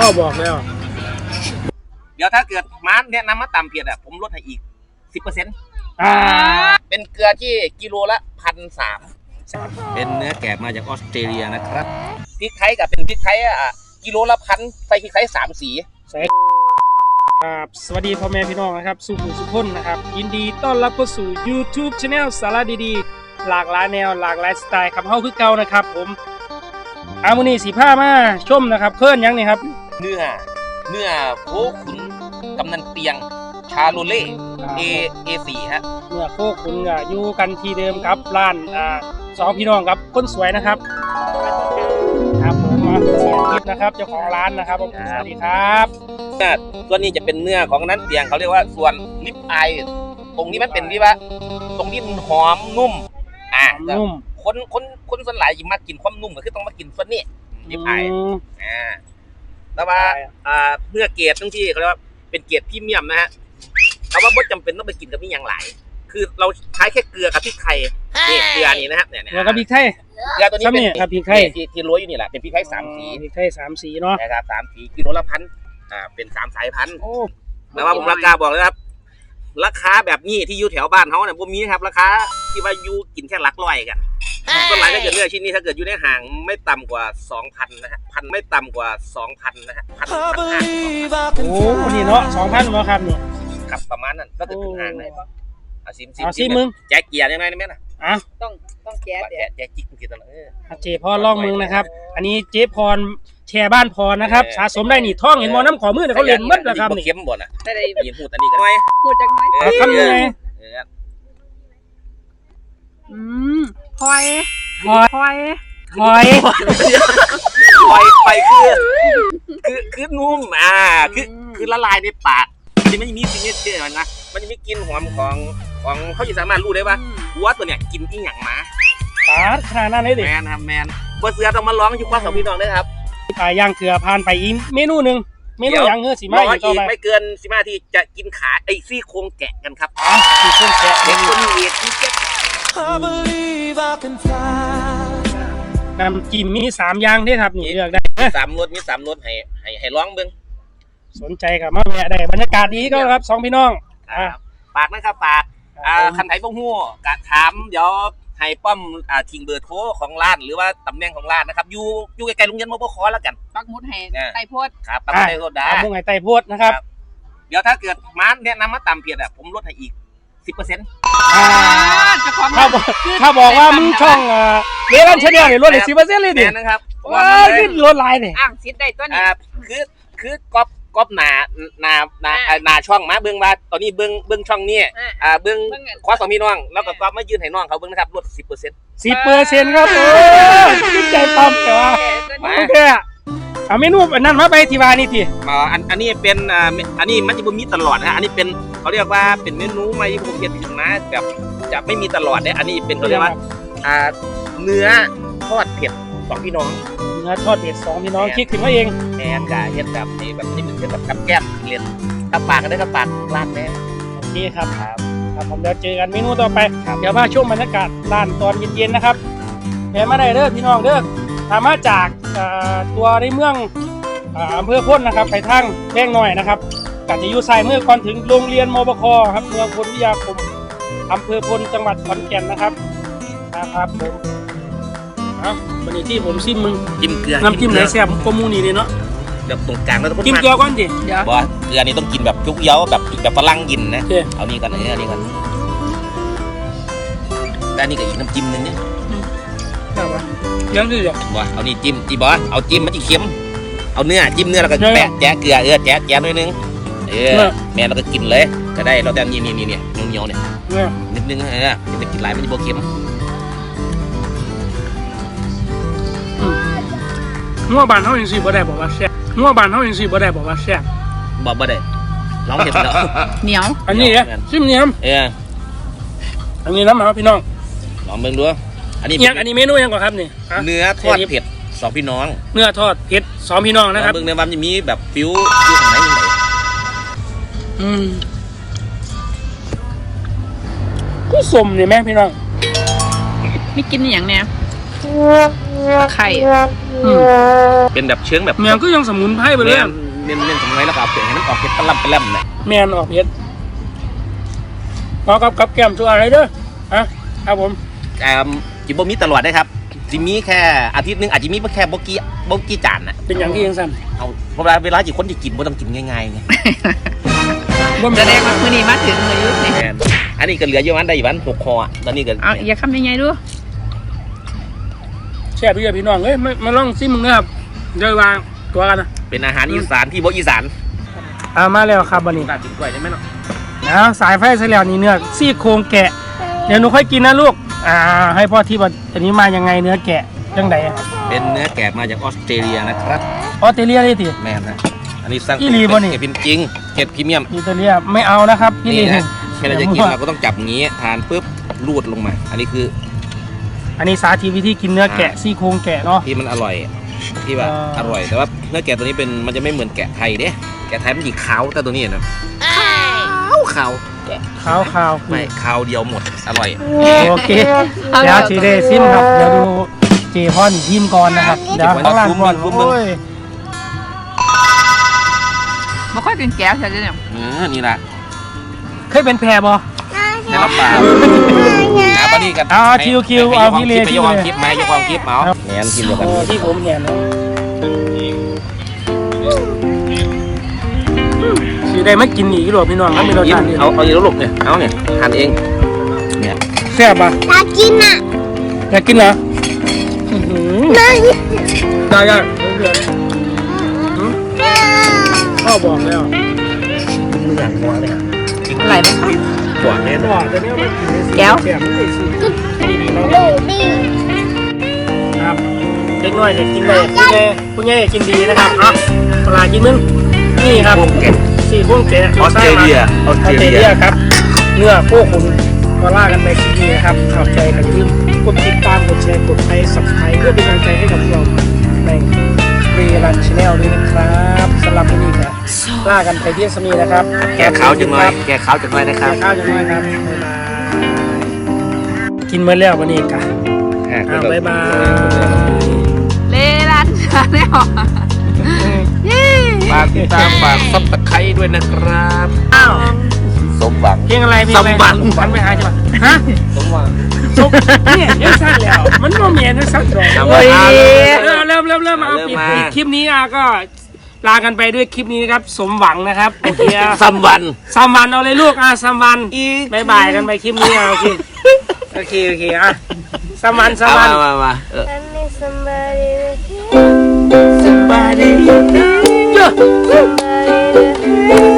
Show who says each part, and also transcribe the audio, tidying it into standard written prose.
Speaker 1: บอกแล้ว
Speaker 2: เดี๋ยวถ้าเกิดม้าแนะนำมาต่ำเพียรผมลดให้อีก 10%เป็นเกลือที่กิโลละ1,300เป็นเนื้อแกะมาจากออสเตรเลียนะครับพริกไทยกับเป็นพริกไทยกิโลละ1,000ใส่พริกไทย3 สี
Speaker 1: ครับสวัสดีพ่อแม่พี่น้องนะครับสุขุมสุขคนนะครับยินดีต้อนรับเข้าสู่ YouTube Channel สาระดีๆหลากหลายแนวหลากหลายสไตล์ครับเฮาคือเก่านะครับผมมื้อนี้สีผ้ามาชมนะครับเพิ่นยังนี่ครับ
Speaker 2: เนื้อโคขุนกำนันเปียงชาโลเล่ A4 ฮะ
Speaker 1: เนื้อโคขุนอยู่กันที่เดิมครับร้านสองพี่น้องครับคนสวยนะครับครับผมเสียทิพย์นะครับเจ้าของร้านนะครับสวัสดีครับ
Speaker 2: ส่วนนี้จะเป็นเนื้อของนั้นเปียงเขาเรียกว่าส่วนลิปไอตรงนี้มันเป็นที่ว่าตรงนี้มันหอมนุ่ม
Speaker 1: นุ่ม
Speaker 2: คนส่วนหลายยิ่งมากินความนุ่มก็คือต้องมากินส่วนนี้ลิปไอแต่ว่าเนื้อเกรดทั้งที่เขาเรียกว่าเป็นเกรดพรีเมียมนะฮะแต่ว่าไม่จำเป็นต้องไปกินกับนี่อย่างหลายคือเราใช้แค่เกลือกับพริกไทยนี่เกลือนี่นะครับเนี่ย
Speaker 1: เกลือกับพริกไทย
Speaker 2: เกลือตัวนี้เป็น
Speaker 1: พริกไทย
Speaker 2: ที่โรยอยู่นี่แหละเป็นพริกไทย3 สี
Speaker 1: พริกไทย3 สีเนาะ
Speaker 2: นะครับ3 สีกิโลละ1,000เป็น3 สายพันธุ์แต่ว่าผมราคาบอกเลยครับราคาแบบนี้ที่อยู่แถวบ้านเขาเนี่ยผมมีครับราคาที่ว่าอยู่กินแค่หลักร้อยกันต้นไม้ถ้าเกิดเนื้อชิ้นนี้ถ้าเกิดอยู่ในห่างไม่ต่ำกว่า 2,000 นะฮะไม่ต่ำกว่า 2,000 นะฮะ
Speaker 1: โอ้นี่เนาะ 2,000 มาครับนี่
Speaker 2: ครับประมาณนั้นก็คือห่างเลย
Speaker 1: ซิมมึง
Speaker 2: แจ๊กเกียร์ยังไงนะแม่น่ะ
Speaker 3: ต้องแจ๊
Speaker 2: กจิ๊กเกียร์ตลอด
Speaker 1: เจพรลองมึงนะครับอันนี้เจพรแชร์บ้านพรนะครับสะสมได้นี่ท่องเห็นมอน้ำขอมือเนี่ยเขาเล่นมัดนะครับนี่
Speaker 2: เข้มบ่นอ่ะได้ยินพูดอันนี้กันไหม
Speaker 3: พูดจังไหม
Speaker 1: ทำยังไง
Speaker 3: พอย
Speaker 2: คือนุ่มคือละลายในปากที่มันมีสิ่งนี้เชื่อมันนะมันจะมีกลิ่นหอมของเขาจะสามารถรู้ได้ว่าวัวตัวเนี้ยกินอีหยังมา
Speaker 1: ขนาดนั้นเลยดิ
Speaker 2: แมนครับแมนบัวเสือต้องมาร้องอยู่ข้อสองพี่น้องด้วยครับ
Speaker 1: ย่างเกลือผ่านไปอีกเมนูหนึ่งเมนูย่างเนื้อสีมาอีก
Speaker 2: ไม่เกิน15 ที่จะกินขาไอ้ซี่โครงแกะกันครับ
Speaker 1: ซี่โครงแกะ
Speaker 2: เด็กคนนี้ที่แกะ
Speaker 1: น้ำจิ้มมี3 อย่างได้ครับนี่เลือกได้
Speaker 2: 3 รสมี3 รสให้ร้องเบิ้ง
Speaker 1: สนใจกับมาแม่ได้บรรยากาศดีก็ครับ2 พี่น้อง
Speaker 2: ปากนะครับปากคันไถบ่ฮู้กะถามเดี๋ยวให้ป้อมทิ้งเบอร์โทรของร้านหรือว่าตำแหน่งของร้านนะครับอยู่ใกล้ๆโรงเรียนมปคแล้วกัน
Speaker 3: ปักมุดให้ไต่โพด
Speaker 2: ครับปักมุดไต่โพดได้
Speaker 1: ปักมุดให้ไต่โพดนะครับ
Speaker 2: เดี๋ยวถ้าเกิดม้าแนะนำมาต่ำเพียรผมลดให้อีก 10%
Speaker 1: ถ้าบอกว่ามึงช่องเลี้ยงชาแนลเนี่ยลดให้ 10% เลยดิ
Speaker 2: นะครับ
Speaker 1: ว้าขึ้นลดหลายเนี่ย
Speaker 3: สิทธิ์ได้ตัวนี้
Speaker 2: คือก๊อปหนาช่องมาเบิ้งว่าตอนนี้เบิ้งช่องนี้เบิ้งขอ2 พี่น้องแล้วก็ก๊อปมายืนให้น้องเขาเบิ้งนะครับลด
Speaker 1: 10% ครับขึ้นใจปั๊มแต่ว่าโอเคเอาเมนูอันนั้นมาไปที่ว่านี่ที
Speaker 2: อันนี้เป็นอันนี้มันจะบ่มีตลอดนะอันนี้เป็นเขาเรียกว่าเป็นเมนูใหม่ที่ผมเขียนถึงมาแบบจะไม่มีตลอดเนี่ยอันนี้เป็นเขาเรียกว่าเนื้อทอดเผ็ด2 พี่น้อง
Speaker 1: เนื้อทอดเผ็ด2 พี่น้องคิดถึงว่าเอง
Speaker 2: แทนกับเห็ดแบบนี้แบบนี้เป็นแบบกับแก้มเลียนกับปากกันได้กับปากร้านแน่
Speaker 1: โอเคครับผมเดี๋ยวเจอกันเมนูต่อไปเดี๋ยวมาช่วงบรรยากาศร้านตอนเย็นๆนะครับแห่มาได้เด้อพี่น้องเด้อถามมาจากตัวในเมืองอำเภอพ้นนะครับไปทางแพงหน่อยนะครับกัจะอยู่ซ้ายมือก่อนถึงโรงเรียนมปคครับเมืองพลวิทยาคมอำเภอพลจังหวัดขอนแก่นนะครับผมวันนี้ที่ผมซิมมึง
Speaker 2: จิ้มเกลือ
Speaker 1: น้ำจิ้มไหนแซ่บกว่ามูนี่เลยเนาะ
Speaker 2: แบบตรงกลางแล้ว
Speaker 1: จิ้มเกลือก่อนดิ
Speaker 2: บ่เกลือนี่ต้องกินแบบจุกเย้าแบบฝรั่งกินนะเอานี่กันนี่กันแล้วนี่ก็อีกน้ำจิ้มนึงเนี่ย
Speaker 1: ยังดิ
Speaker 2: บ่เอานี่จิ้มบ่เอาจิ้มมันจะเค็มเอาเนื้อจิ้มเนื้อแล้วก็แปะแจ๊เกลือแจ๊หน่อยนึงแม่เราก็กินเลยก็ได้เราแต่นี่เหนียวเนี่ยนิดนึงจะกินหลายมันจะบ่เค็ม
Speaker 1: งัวบานเขาอย่างสิบ่ได้บอกว่าแซ่บงัวบานเขาอย่างสิบ่ได้บอกว่าแซ่บ
Speaker 2: บ่ได้ร้องเห็นแล้ว
Speaker 3: เหนียว
Speaker 1: อันนี้ซิมเหนียวอันนี้น้ำมาพี่น้อง
Speaker 2: ลองเบิ่งดูอัน
Speaker 1: นี้เมนูยังก่อนครับนี่
Speaker 2: เนื้อทอดเผ็ด2 พี่น้อง
Speaker 1: เนื้อทอดเผ็ด2 พี่น้องนะครับ
Speaker 2: เบิ่งในวันจะมีแบบฟิวของไหนยังไง
Speaker 1: ก็สมเนี่ยแม่พี่น้อง
Speaker 3: ไม่กินอย่างเนี้ยไข่
Speaker 1: อืม
Speaker 2: เป็นแบบเชื้องแบบ
Speaker 1: แมนก็ยังสมุนไพรไปเลย
Speaker 2: เน้นสมุนไพรแล้วก็เอาเปลี่ยนให้มันออกเผ็ดปลาล่ำเนี่ย
Speaker 1: แมนออกเผ็ดเอากับแก้มชัวอะไรเด้อฮะครับผม
Speaker 2: จิบมีตลอดได้ครับจิมีแค่อาทิตย์นึงอาจจะมีแค่โบกี้จานน่ะ
Speaker 1: เป็นอย่างที่ยังสั่น
Speaker 2: เอาเวลาจีคนที่กินบ่ต้องกินง่ายๆไง
Speaker 3: จะได้มามื้อนี้มาถึงมื้อยุคนี่
Speaker 2: แม่นอันนี้ก็เหลืออยู่วันได้อยู่วัน6 คอตอนนี้ก็
Speaker 3: เอาอย่าคำยังไงดู
Speaker 1: แช่พี่พี่น้องเอ้ยมาลองซิมึงนะครับเดี๋ยววางตัวกันนะ
Speaker 2: เป็นอาหารอีสานที่บ่อีสาน
Speaker 1: มาแล้วครับวันนี้
Speaker 2: น่ากินกล้วยได้ไหมเนาะ
Speaker 1: นะสายไฟเสแล้วนี่เนื้อซี่โครงแกะเดี๋ยวหนูค่อยกินนะลูกให้พ่อที่ว่าอันนี้มายังไงเนื้อแกะจังได
Speaker 2: เป็นเนื้อแกะมาจากออสเตรเลียนะครับ
Speaker 1: ออสเตรเลียเลยที
Speaker 2: แม่นนะอันนี้สร้าง
Speaker 1: อีหลีบ่นี่
Speaker 2: เห็ดจริงเห็ดพรีเมียม
Speaker 1: ออสเตรเลียไม่เอานะครับพี่
Speaker 2: นี่
Speaker 1: ลี
Speaker 2: นะเวลาจะกินเราก็ต้องจับอย่างงี้ทานปุ๊บรูดลงมา อันนี้คือ
Speaker 1: อันนี้สาธิตวิธีกินเนื้อแกะซี่โครงแกะเนาะ
Speaker 2: ที่มันอร่อยที่แบบอร่อยแต่ว่าเนื้อแกะตัวนี้มันจะไม่เหมือนแกะไทยเด้แกะไทยมันหยิกขาวแต่ตัวนี้นะขาว
Speaker 1: ขาว
Speaker 2: ไม่ขาวเดียวหมดอร่อย
Speaker 1: โอเคเดี๋ยวชีเดซิมครับเดี๋ยวดูเจพอนทีมก่อนนะครับเดี๋ยวข้างล่างก่อนโอ้ย
Speaker 3: บ่ค่อยกินแก้วใช่ไหมเนี่ย
Speaker 2: นี่ละ
Speaker 1: เคยเป็นแพรบอ
Speaker 2: ในรับปากนะปนี่กัน
Speaker 1: คิวเอาพี่เล
Speaker 2: ไปยกความคลิปมายกความคลิปเอาแหนกินเดียวกัน
Speaker 1: ที่ผมเห็นนะสีได้ไม่กินอีกหรอพี่น้องไม่มีรสชาติ
Speaker 2: เอาอยู่แล้วลูกเนี่ยเอาเนี่ยทานเองเนี่ย
Speaker 1: แซ่บปะ
Speaker 4: อยากกินอ่ะ
Speaker 1: อยากกินเหรอได้พ่อบอกแล้ว
Speaker 2: มือหลังหัวเลย
Speaker 3: อะไรบ้างคะ
Speaker 2: หวานแน่น
Speaker 1: พ่
Speaker 2: อ
Speaker 1: อน จะไม่เอาไปกิน
Speaker 3: แก้ว
Speaker 1: แซ่บไม่ได้สิดีๆ
Speaker 4: ดู
Speaker 1: เนาะ
Speaker 4: ดิ
Speaker 1: ครับเล็กน้อยจะกินได้ผู้ใหญ่กินดีนะครับอ่ะปลากินมึงนี่ครับสี่พวงแกะ
Speaker 2: ออสเตรเลีย
Speaker 1: ครับเนื้อพวกคุณก็ล่ากันไปกินดีนะครับขอบใจกันยืมกดติดตามกดแชร์กดไลค์สับสไครต์เพื่อเป็นกำลังใจให้กับเราในเรลันชาแนลด้วยนะครับสำหรับวันนี้ครับล่ากันไปที่สมีนะครับ
Speaker 2: แกขาวจังเลยแกขาวจังเลยนะครับ
Speaker 1: ข้าวจังเลยครับบ๊ายบายกินเมื่อแล้ววันนี้กันบ๊ายบาย
Speaker 3: เลลันชาแนลเย้
Speaker 2: ฝากติดตามฝากซับสไครต์ด้วยนะครับ
Speaker 1: อ้าว
Speaker 2: สมหวัง
Speaker 1: เพลงอะไรเพลงอะไร
Speaker 2: สมหวัง
Speaker 1: ฝันไปหาใช่ปะฮะ
Speaker 2: สมหวัง
Speaker 1: จบเนี่ยยังสั้นแล้ว มันก็เมียนสั้นหรอก
Speaker 2: เอา
Speaker 1: เฮ้ย
Speaker 2: มา
Speaker 1: เริ่มมาเอาปิด
Speaker 2: มา
Speaker 1: คลิปนี้ก็ลากันไปด้วยคลิปนี้นะครับ สมหวังนะครับโอเค
Speaker 2: ซัมวัน
Speaker 1: ซัมวันเอาเลยลูกซัมวัน
Speaker 2: อีก
Speaker 1: บายบายกันไปคลิปนี้โอเคโอเคซัมวัน
Speaker 2: เอามา
Speaker 4: I need somebody with you.
Speaker 1: somebody
Speaker 4: Somebody to